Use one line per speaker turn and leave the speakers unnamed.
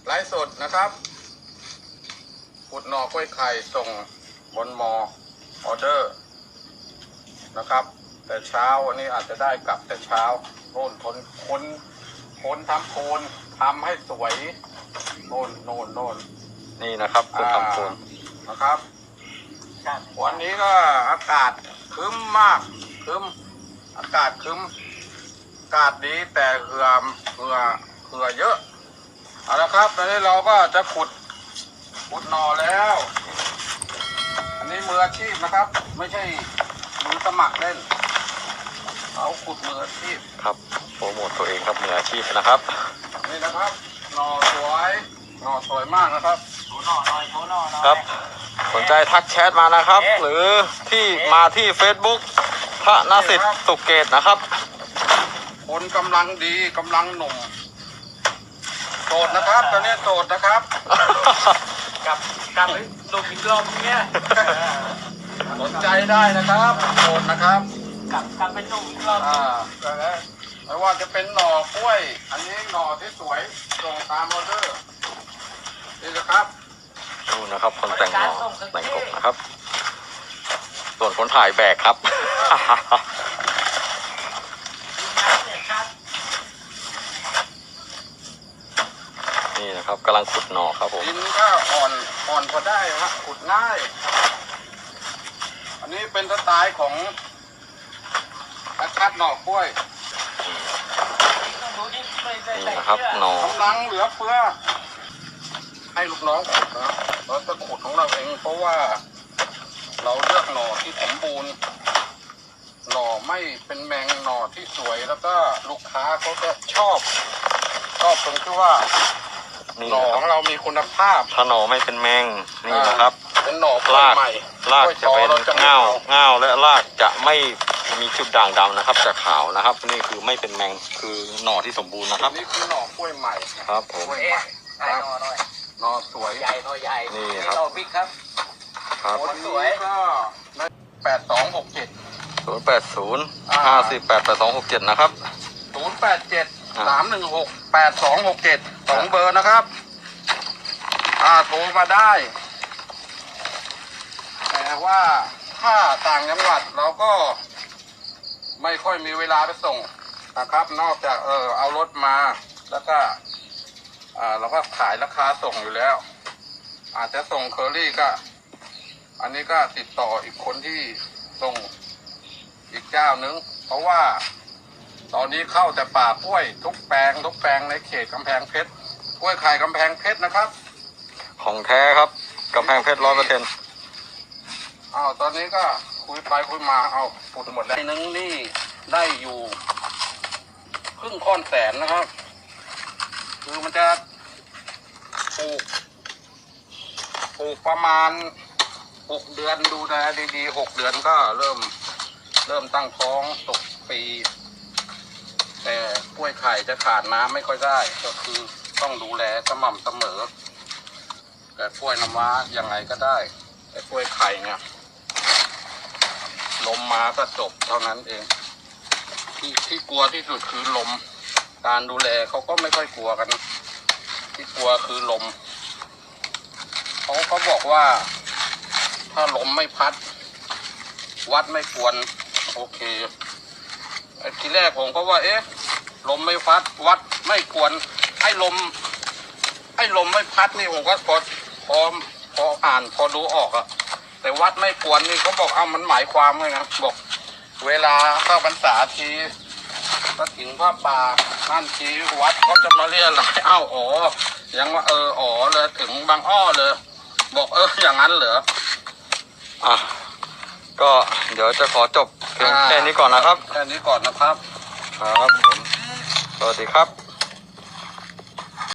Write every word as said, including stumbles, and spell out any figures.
ไลฟ์สดนะครับขุดหน่อกล้วยไข่ส่งบนมอออเดอร์นะครับแต่เช้าวันนี้อาจจะได้กลับแต่เช้าโน่นคนคนคนทำโคนทำให้สวยโน่นโน่นโน่น
นี่นะครับคนทำโคน
นะครับวันนี้ก็อากาศครึ้มมากครึ้มอากาศครึ้มอากาศดีแต่เหือเหือเหือเยอะเอาละครับตอนนี้เราก็จะขุดขุดหน่อแล้วอันนี้มืออาชีพนะครับไม่ใช่มือสมัครเล่นเอาขุดมืออาชีพ
ครับโปรโมทตัวเองครับมืออาชีพนะครับ
นี่นะครับหน่อสวยหน่อสวยมากนะครับดูหน่อหน่อยดูหน่อหน่อย
ครับสนใจทักแชทมานะครับหรือที่มาที่ Facebook พระนสิทธิ์สุเกตนะครับ
คนกำลังดีกำลังหนุ่มโสดนะครับตอนนี้โสดนะครับกับกับหนุ่มอีกรอบเนี้ยสนใจได้นะครับโสดนะครับกับกับเป็นหนุ่มอีกรอบอ่าไม่ว่าจะเป็นหน่อกล้วยอันนี้หน่อที่สวยส่งตามออเดอร์นี่นะครับ
ดูนะครับคนแต่งหน่อแต่งกบนะครับส่วนคนถ่ายแบกครับนี่นะครับกำลังขุดหน่อครับผม
ดินก็อ่อนอ่อนพอได้ครับขุดง่ายอันนี้เป็นสไตล์ของคัดหน่อกล้วย
นี่นะครับหน่อก
ำลังเหลือเฟือให้ลูกน้องขุดนะเราจะขุดของเราเองเพราะว่าเราเลือกหน่อที่สมบูรณ์หน่อไม่เป็นแมงหน่อที่สวยแล้วก็ลูกค้าเขาจะชอบชอบตรงที่ว่าหน่อของเรามีคุณภาพ
ถ้าหน่อไม่เป็นแมงนี่นะครับ
เป็นหน่อ
ราก
ใหม่
รากจะเป็นเงาเงาและรากจะไม่มีจุดด่างดำนะครับจะขาวนะครับนี่คือไม่เป็นแมงคือหน่อที่สมบูรณ์นะครับ
นี่คือหน่อกล้วยใหม่
ครับผม
กล้วยใหม่ครับหน่อสวย
ใหญ่หน่อใหญ่
นี่ครับ
หน่อบิ๊กครับ
ครับ
วันนี้ก็แปดสองหกเจ็ด
ศูนย์แปดศูนย์ห้าสี่แปดแปดสองหกเจ็ดนะครับ
ศูนย์แปดเจ็ดสามหนึ่งหกแปดสองหกเจ็ดสองเบอร์นะครับอ่าโทรมาได้แต่ว่าถ้าต่างจังหวัดเราก็ไม่ค่อยมีเวลาไปส่งนะครับนอกจากเออเอารถมาแล้วก็อ่าเราก็ขายราคาส่งอยู่แล้วอาจจะส่งเคอรี่ก็อันนี้ก็ติดต่ออีกคนที่ส่งอีกเจ้านึงเพราะว่าตอนนี้เข้าแต่ป่ากล้วยทุกแปลงทุกแปลงในเขตกำแพงเพชรกล้วยไข่กำแพงเพชรนะครับ
ของแท้ครับกำแพงเพชรร้อยเปอร์เซ็นต์
อ้าวตอนนี้ก็คุยไปคุยมาเอาพูดหมดแล้วนึงนี่ได้อยู่ครึ่งค่อนแสนนะครับคือมันจะปลูกปลูกประมาณหกเดือนดูแลดีๆหกเดือนก็เริ่มเริ่มตั้งท้องตกปีแต่กล้วยไข่จะขาดน้ำไม่ค่อยได้ก็คือต้องดูแลสม่ำเสมอแต่กล้วยน้ำว้ายังไงก็ได้แต่กล้วยไข่เนี่ยลมมาก็จบเท่านั้นเองที่ที่กลัวที่สุดคือลมการดูแลเขาก็ไม่ค่อยกลัวกันที่กลัวคือลมเขาเขาบอกว่าถ้าลมไม่พัดวัดไม่กวนโอเคทีแรกผมก็ว่าเอ๊ะลมไม่พัดวัดไม่กวนไอ้ลมไอ้ลมไม่พัดนี่ผมก็พอพอพออ่านพอดูออกอะแต่วัดไม่กวนนี่เขาบอกเอามันหมายความไงนะบอกเวลาเข้าพรรษาทีก็ถึงพระป่านั่นทีวัดเขาจะมาเรียกอะไรเอ้าอ๋อยังว่าเอออ๋อเลยถึงบางอ้อเลยบอกเอออย่างนั้นเหรอ
อ่ะก็เดี๋ยวจะขอจบเพียงแค่นี้ก่อนนะครับ
แค่นี้ก่อนนะครับ
ครับผมสวัสดีครับ